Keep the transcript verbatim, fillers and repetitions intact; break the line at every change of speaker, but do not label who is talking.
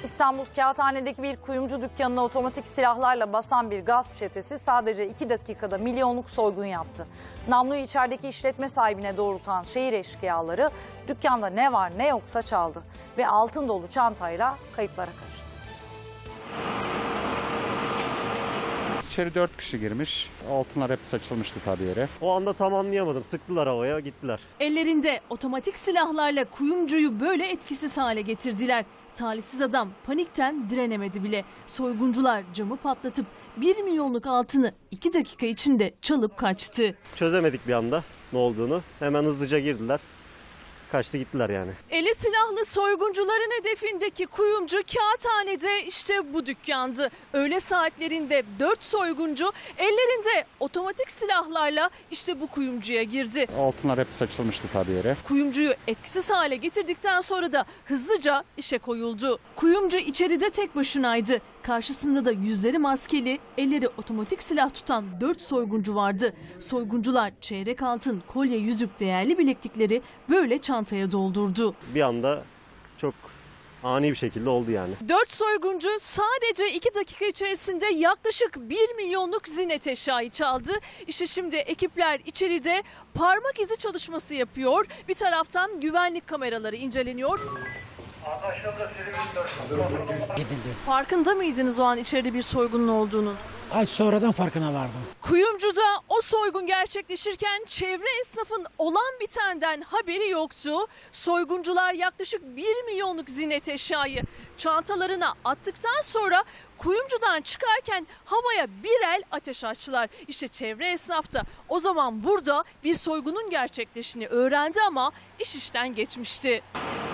İstanbul Kağıthane'deki bir kuyumcu dükkanına otomatik silahlarla basan bir gasp çetesi sadece iki dakikada milyonluk soygun yaptı. Namluyu içerideki işletme sahibine doğrultan şehir eşkıyaları dükkanda ne var ne yoksa çaldı ve altın dolu çantayla kayıplara karıştı.
İçeri dört kişi girmiş. Altınlar hep saçılmıştı tabii yere.
O anda tam anlayamadım. Sıktılar havaya, gittiler.
Ellerinde otomatik silahlarla kuyumcuyu böyle etkisiz hale getirdiler. Talihsiz adam panikten direnemedi bile. Soyguncular camı patlatıp bir milyonluk altını iki dakika içinde çalıp kaçtı.
Çözemedik bir anda ne olduğunu. Hemen hızlıca girdiler. Kaçtı gittiler yani.
Eli silahlı soyguncuların hedefindeki kuyumcu Kağıthane'de işte bu dükkandı. Öğle saatlerinde dört soyguncu ellerinde otomatik silahlarla işte bu kuyumcuya girdi.
Altınlar hep saçılmıştı tabii yere.
Kuyumcuyu etkisiz hale getirdikten sonra da hızlıca işe koyuldu. Kuyumcu içeride tek başınaydı. Karşısında da yüzleri maskeli, elleri otomatik silah tutan dört soyguncu vardı. Soyguncular çeyrek altın, kolye, yüzük, değerli bileklikleri böyle çantaya doldurdu.
Bir anda çok ani bir şekilde oldu yani.
Dört soyguncu sadece iki dakika içerisinde yaklaşık bir milyonluk ziynet eşyayı çaldı. İşte şimdi ekipler içeride parmak izi çalışması yapıyor. Bir taraftan güvenlik kameraları inceleniyor. Farkında mıydınız o an içeride bir soygunun olduğunu?
Ay sonradan farkına vardım.
Kuyumcuda o soygun gerçekleşirken çevre esnafın olan bitenden haberi yoktu. Soyguncular yaklaşık bir milyonluk ziynet eşyayı çantalarına attıktan sonra kuyumcudan çıkarken havaya bir el ateş açtılar. İşte çevre esnaf da o zaman burada bir soygunun gerçekleştiğini öğrendi ama iş işten geçmişti.